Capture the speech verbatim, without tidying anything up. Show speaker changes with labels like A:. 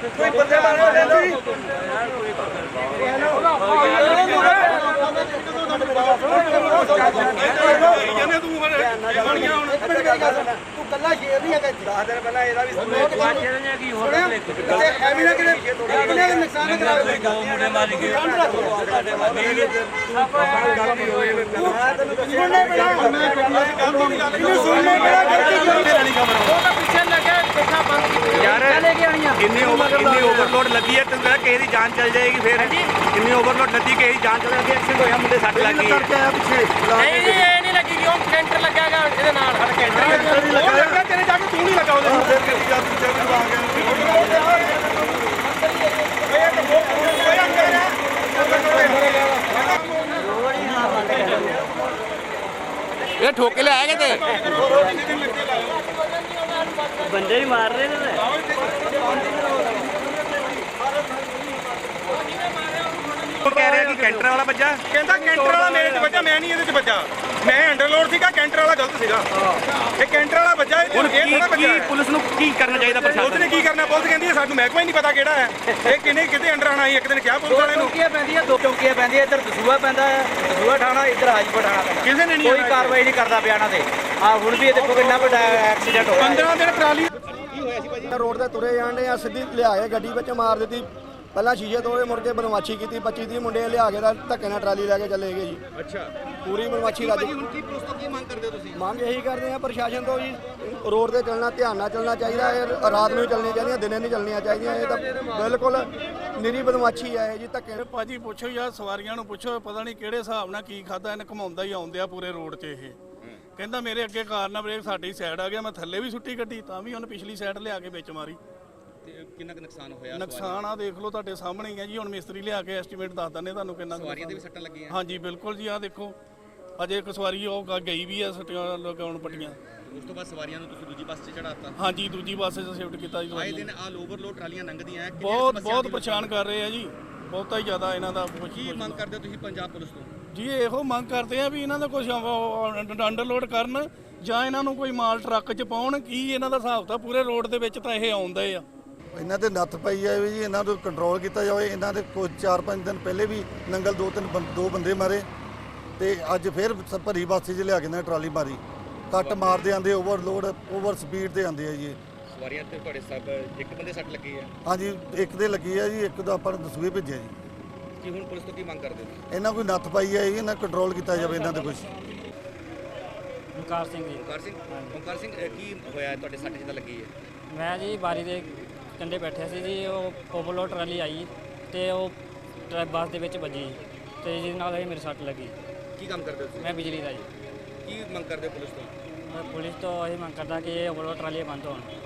A: ਕੋਈ ਬੰਦੇ ਮਾਰੋ ਲੈ ਲਓ ਇਹਨੇ ਤੂੰ ਬਣੀਆਂ ਹੁਣ ਤੂੰ ਕੱਲਾ ਸ਼ੇਰ ਨਹੀਂ ਹੈਗਾ ਦਸ ਦਿਨ ਪਹਿਲਾਂ ਇਹਦਾ ਵੀ ਸੁਣਿਆ ਕੀ ਹੋਰ ਤੇ ਐਵੇਂ ਨਾ ਕਿਤੇ ਕਿੰਨੇ ਨੁਕਸਾਨ ਨਾ ਕਰਾਵੇ ਦੋ ਮੁੰਡੇ ਮਾਰ ਕੇ ਸਾਡੇ ਮਾਰੇ ਆਪਾਂ ਗੱਲ ਨਹੀਂ ਹੋਏ ਮੈਂ ਤੈਨੂੰ ਸੁਣਨੇ ਬਣਾ ਇਹਨੂੰ ਸੁਣਨੇ ਬਣਾ ਗਲਤੀ ਖਬਰ ਉਹ ਤਾਂ ਪਿੱਛੇ ਲੱਗਿਆ ਦੇਖਾ ਬੰਦ ਕੀਤੀ ਯਾਰ ਲੈ ਕੇ ਆਣੀਆਂ ਕਿੰਨੀ ਓਵਰ ਕਿੰਨੀ ਓਵਰਲੋਡ ਲੱਗੀ ਹੈ ਤੈਨੂੰ ਕਹਿੰਦਾ ਕਿਸੇ ਦੀ ਜਾਨ ਚੱਲ ਜਾਏਗੀ ਫੇਰ ਕਿੰਨੀ ਓਵਰਲੋਡ ਲੱਗੀ ਕਿਸੇ ਦੀ ਜਾਨ ਚੱਲ ਜਾਏਗੀ ਐਕਸੀਡੈਂਟ ਹੋਇਆ ਮੁੰਡੇ ਸੱਟ ਲੱਗੀ ਨਹੀਂ ਜੀ ਇਹ ਨਹੀਂ ਲੱਗੀ ਕਿ ਉਹ ਕੈਂਟਰ ਲੱਗਿਆਗਾ ਇਹਦੇ ਨਾਲ ਹੜ ਕੈਂਟਰ ਉਹ ਲੱਗਾ ਤੇਰੇ ਜਾ ਕੇ ਤੂੰ ਨਹੀਂ ਲੱਗਾ ਉਹਦੇ ਫੇਰ ਕਰੀ ਜਾ ਤੂੰ ਜਦ ਆ ਗਿਆ
B: ਇਹ ਠੋਕੇ ਲੈ ਆਏ ਕਿਤੇ
C: ਬੰਦੇ ਹੀ ਮਾਰ ਰਹੇ ਨੇ
B: ਉਹ ਕਹਿ ਰਿਹਾ ਕਿ ਕੈਂਟਰ ਵਾਲਾ ਵੱਜਾ
A: ਕਹਿੰਦਾ ਕੈਂਟਰ ਵਾਲਾ ਮੇਰੇ 'ਚ ਵੱਜਾ ਮੈਂ ਨਹੀਂ ਇਹਦੇ 'ਚ ਵੱਜਾ ਮੈਂ ਅੰਡਰਲੋਡ ਸੀਗਾ ਕੈਂਟਰ ਵਾਲਾ ਗਲਤ ਸੀਗਾ ਇਹ ਕੈਂਟਰ ਵਾਲਾ ਵੱਜਾ ਇਹ ਥੋੜਾ ਵੱਜਾ
B: ਪੁਲਿਸ ਨੂੰ ਕੀ ਕਰਨਾ ਚਾਹੀਦਾ ਪ੍ਰਸ਼ਾਸਨ
A: ਉਹਨੇ ਕੀ ਕਰਨਾ ਪੁਲਿਸ ਕਹਿੰਦੀ ਹੈ ਸਾਨੂੰ ਮਹਿਕਮਾ ਹੀ ਨਹੀਂ ਪਤਾ ਕਿਹੜਾ ਹੈ ਇਹ ਕਿਨੇ ਕਿਤੇ ਅੰਡਰ ਆਣਾ ਸੀ ਇੱਕ ਦਿਨ ਕਿਹਾ ਪੁਲਿਸ ਵਾਲੇ ਨੂੰ
C: ਚੌਂਕੀਆਂ ਪੈਂਦੀਆਂ ਦੋ ਚੌਂਕੀਆਂ ਪੈਂਦੀਆਂ ਇੱਧਰ ਦਸੂਆ ਪੈਂਦਾ ਹੈ ਦਸੂਆ ਥਾਣਾ ਇੱਧਰ ਹਾਜੀਪੁਰ ਥਾਣਾ ਪੈਂਦਾ
A: ਕਿਸੇ ਨੇ ਨਹੀਂ
C: ਕੋਈ ਕਾਰਵਾਈ ਨਹੀਂ ਕਰਦਾ ਪਿਆ ਇਹਨਾਂ ਤੇ ਆ ਹੁਣ ਵੀ ਇਹ ਦੇਖੋ ਕਿੰਨਾ ਵੱਡਾ ਐਕਸੀਡੈਂਟ ਹੋਇਆ
A: ਪੰਦਰਾਂ ਦਿਨ ਟਰਾਲੀ
D: ਰੋਡ ਤੇ ਤੁਰੇ ਜਾਂਦੇ ਆ ਸਿੱਧੀ ਲਿਆ ਕੇ ਗੱਡੀ ਵਿੱਚ ਮਾਰ ਦਿੱਤੀ ਪਹਿਲਾਂ ਸ਼ੀਸ਼ੇ ਤੋੜੇ ਮੁੜ ਕੇ ਬਦਮਾਸ਼ੀ ਕੀਤੀ ਪੱਚੀ ਤੀਹ ਮੁੰਡੇ ਲਿਆ ਕੇ ਧੱਕੇ ਨਾਲ ਟਰਾਲੀ ਲੈ ਕੇ ਚਲੇ ਗਏ ਜੀ
A: ਅੱਛਾ
D: ਪੂਰੀ ਬਦਮਾਸ਼ੀ ਰੱਜ
A: ਹੁਣ ਕੀ ਪੁਲਿਸ ਤੋਂ ਕੀ ਮੰਗ ਕਰਦੇ ਹੋ ਤੁਸੀਂ
D: ਮੰਗ ਇਹੀ ਕਰਦੇ ਆ ਪ੍ਰਸ਼ਾਸਨ ਤੋਂ ਜੀ ਰੋਡ ਤੇ ਚੱਲਣਾ ਧਿਆਨ ਨਾਲ ਚੱਲਣਾ ਚਾਹੀਦਾ ਇਹ ਰਾਤ ਨੂੰ ਹੀ ਚੱਲਣੀਆਂ ਚਾਹੀਦੀਆਂ ਦਿਨੇ ਨਹੀਂ ਚੱਲਣੀਆਂ ਚਾਹੀਦੀਆਂ ਇਹ ਤਾਂ ਬਿਲਕੁਲ ਨਿਰੀ ਬਦਮਾਸ਼ੀ ਹੈ ਜੀ ਧੱਕੇ
E: ਭਾਜੀ ਪੁੱਛੋ ਯਾਰ ਸਵਾਰੀਆਂ ਨੂੰ ਪੁੱਛੋ ਪਤਾ ਨਹੀਂ ਕਿਹੜੇ ਹਿਸਾਬ ਨਾਲ ਕੀ ਖਾਦਾ ਇਹਨੇ ਘਮਾਉਂਦਾ ਹੀ ਆਉਂਦੇ ਆ ਪੂਰੇ ਰੋਡ 'ਚ ਇਹ ਕਹਿੰਦਾ ਮੇਰੇ ਅੱਗੇ ਕਾਰ ਨਾਲ ਬ੍ਰੇਕ ਸਾਡੀ ਸਾਈਡ ਆ ਗਿਆ ਮੈਂ ਥੱਲੇ ਵੀ ਸੁੱਟੀ ਗੱਡੀ ਤਾਂ ਵੀ ਉਹਨੇ ਪਿਛਲੀ ਸਾਈਡ ਲਿਆ ਕੇ ਵਿੱਚ ਮਾਰੀ
B: ਤੇ ਕਿੰਨਾ ਕੁ ਨੁਕਸਾਨ ਹੋਇਆ
E: ਨੁਕਸਾਨ ਆ ਦੇਖ ਲਓ ਤੁਹਾਡੇ ਸਾਹਮਣੇ ਹੀ ਆ ਜੀ ਹੁਣ ਮਿਸਤਰੀ ਲਿਆ ਕੇ ਐਸਟੀਮੇਟ ਦੱਸ ਦਿੰਦੇ ਤੁਹਾਨੂੰ ਕਿੰਨਾ
B: ਸਵਾਰੀਆਂ ਦੇ ਵੀ ਸੱਟਾਂ ਲੱਗੀਆਂ
E: ਹਾਂਜੀ ਬਿਲਕੁਲ ਜੀ ਆ ਦੇਖੋ ਅਜੇ ਇੱਕ ਸਵਾਰੀ ਉਹ ਗਈ ਵੀ ਆ ਸੱਟੀਆਂ ਲਗਾਉਣ ਪੱਟੀਆਂ
B: ਉਸ ਤੋਂ ਬਾਅਦ ਸਵਾਰੀਆਂ ਨੂੰ ਤੁਸੀਂ ਦੂਜੀ ਬੱਸ 'ਚ ਚੜਾਤਾ
E: ਹਾਂਜੀ ਦੂਜੀ ਬੱਸ 'ਚ ਸ਼ਿਫਟ ਕੀਤਾ ਜੀ
B: ਆਏ ਦਿਨ ਆਲ ਓਵਰਲੋਡ ਟਰਾਲੀਆਂ ਲੰਘਦੀਆਂ
E: ਬਹੁਤ ਬਹੁਤ ਪਰੇਸ਼ਾਨ ਕਰ ਰਹੇ ਆ ਜੀ ਬਹੁਤਾ ਹੀ ਜ਼ਿਆਦਾ ਇਹਨਾਂ ਦਾ
B: ਕੀ ਮੰਗ ਕਰਦੇ ਹੋ ਤੁਸੀਂ ਪੰਜਾਬ ਪੁਲਿਸ ਤੋਂ
E: ਜੀ ਇਹੋ ਮੰਗ ਕਰਦੇ ਆ ਵੀ ਇਹਨਾਂ ਦਾ ਕੁਝ ਅੰਡਰਲੋਡ ਕਰਨ ਜਾਂ ਇਹਨਾਂ ਨੂੰ ਕੋਈ ਮਾਲ ਟਰੱਕ 'ਚ ਪਾਉਣ ਕੀ ਇਹਨਾਂ ਦਾ ਹਿਸਾਬ ਤਾਂ ਪੂਰੇ ਰੋਡ ਦੇ ਵਿੱਚ ਤਾਂ ਇਹ ਆਉਂਦੇ ਆ
D: ਇਹਨਾਂ ਤੇ ਨੱਥ ਪਈ ਜਾਵੇ ਜੀ ਇਹਨਾਂ ਨੂੰ ਕੰਟਰੋਲ ਕੀਤਾ ਜਾਵੇ ਇਹਨਾਂ ਦੇ ਕੁਝ ਚਾਰ ਪੰਜ ਦਿਨ ਪਹਿਲੇ ਵੀ ਨੰਗਲ ਦੋ ਤਿੰਨ ਦੋ ਬੰਦੇ ਮਾਰੇ ਤੇ ਅੱਜ ਫਿਰ ਭਰੀ ਬਾਸੀ 'ਚ ਲਿਆ ਕੇ ਨਾ ਟਰਾਲੀ ਮਾਰੀ ਕੱਟ ਮਾਰਦੇ ਆਂਦੇ ਓਵਰਲੋਡ ਓਵਰ ਸਪੀਡ ਤੇ ਆਂਦੇ ਆ ਜੀ
B: ਸਵਾਰੀਆਂ ਤੇ ਤੁਹਾਡੇ ਸਭ ਇੱਕ ਬੰਦੇ ਸੱਟ ਲੱਗੀ ਹੈ
D: ਹਾਂਜੀ ਇੱਕ ਦੇ ਲੱਗੀ ਆ ਜੀ ਇੱਕ ਦਾ ਆਪਾਂ ਨੇ ਦਸੂਏ ਭੇਜਿਆ ਜੀ
B: ਕੀ ਹੁਣ ਪੁਲਿਸ ਤੋਂ ਕੀ ਮੰਗ ਕਰਦੇ ਹੋ
D: ਇਹਨਾਂ ਕੋਈ ਨੱਥ ਪਾਈ ਹੈ ਜੀ ਇਹਨਾਂ ਕੰਟਰੋਲ ਕੀਤਾ ਜਾਵੇ ਇਹਨਾਂ ਤੇ ਕੁਝ
C: ਓਮਕਾਰ ਸਿੰਘ ਜੀ
B: ਓਮਕਾਰ ਸਿੰਘ ਓਮਕਾਰ ਸਿੰਘ ਕੀ ਹੋਇਆ ਤੁਹਾਡੇ ਸੱਟ ਜਿੱਦਾਂ ਲੱਗੀ ਹੈ
C: ਮੈਂ ਜੀ ਬਾਰੀ ਦੇ ਕੰਢੇ ਬੈਠਿਆ ਸੀ ਜੀ ਉਹ ਓਵਰਲੋਡ ਟਰਾਲੀ ਆਈ ਤੇ ਉਹ ਬੱਸ ਦੇ ਵਿੱਚ ਵੱਜੀ ਤੇ ਜਿਹਦੇ ਨਾਲ ਇਹ ਮੇਰੇ ਸੱਟ ਲੱਗੀ
B: ਕੀ ਕੰਮ ਕਰਦੇ ਹੋ ਤੁਸੀਂ
C: ਮੈਂ ਬਿਜਲੀ ਦਾ ਜੀ
B: ਕੀ ਮੰਗ ਕਰਦੇ ਹੋ ਪੁਲਿਸ ਤੋਂ
C: ਮੈਂ ਪੁਲਿਸ ਤੋਂ ਇਹ ਮੰਗ ਕਰਦਾ ਕਿ ਇਹ ਓਵਰਲੋਡ ਟਰਾਲੀ ਬੰਦ ਹੋਣ